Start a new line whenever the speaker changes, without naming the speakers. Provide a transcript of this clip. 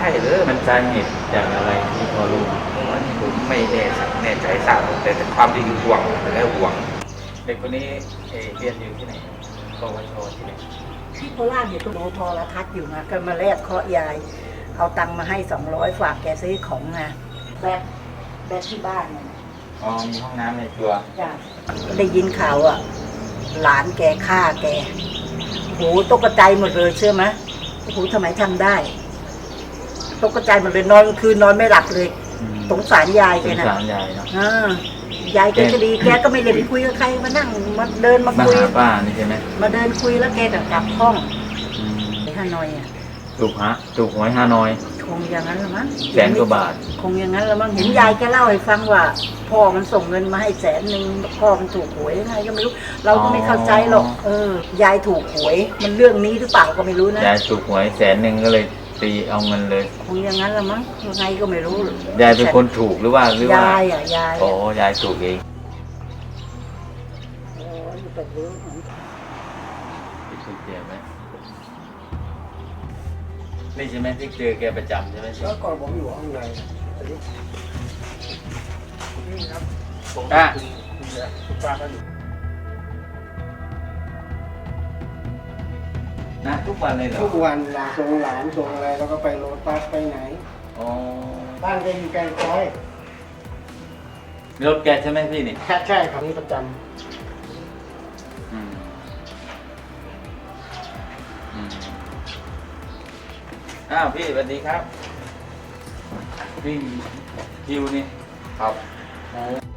ช่เลย
มันสาเหตุจากอะไรที่พอรู้
อันนี้ผมไม่แน่ใจทราบแต่ความจริงคือห่วงและห่วง
เด็กคนนี้เรียนอยู่ที่ไหนปวชที่ไหน
ที่โคราชอยู่ตัวโทรทัศน์อยู่นะก็มาแลกเคาะยายเอาตังค์มาให้200ฝากแกซื้อของนะแบกที่บ้านเนี่ย
อ๋อมีห้องน้ำในตัว
จ้ะได้ยินข่าวอ่ะหลานแกฆ่าแกโหตกใจหมดเลยเชื่อไหมโอ้โหทำไมทำได้ตกใจหมดเลยนอนคืนนอนไม่หลับเลยสงสารยาย
ส
แก
ง
นะ
สารยายเนาะ
ยายแกก็ดีแกก็ไม่ได้ไปคุยกับใครมานั่งมาเดินมา
มา
คุย
หาป้านี่ใช่ไหม
มาเดินคุยแล้วแกก็กลับห้อง
อืม
ไปฮานอยอ่ะ
ถูกหวยฮานอย
คงอย่างนั้นละมั้ง
แสนกว่าบาท
คงอย่างนั้นละมั้งเห็นยายแกเล่าให้ฟังว่าพ่อมันส่งเงินมาให้100,000พ่อมันถูกหวยยังไงก็ไม่รู้ เราก็ไม่เข้าใจหรอกยายถูกหวยมันเรื่องนี้หรือเปล่าก็ไม่รู้นะ
ยายถูกหวย100,000ก็เลยตีเอาเงินเลย
คงอย่างนั้นละมั้งยังไงก็ไม่รู้
ยายเป็นคนถูกหรือว่า
ยายอ่ะยาย
อ๋อยายถูกเอง
อยู่แบบนี้
ที่ถูกเจ็บไหมนี่ใช่ไหมที่เจอแกประจำใช่ไหม
แล้วก่อนผมอยู่ข้างในนี่ครับผม
อ่ะ
คุณป้าก็อยู่
นะทุกวันเลยเหรอ
ทุกวันหลานส่งหลานส่งอะไรแล้วก็ไปโรตัสไปไหน
อ๋อ
บ้านแกอยู่แกงคอย
รถแกใช่ไหมพี่นี่
ใช่ครับนี่ประจ
อืมอืมอ้าวพี่สวัสดีครับพี่คิวนี่
ครับ
อ๋อ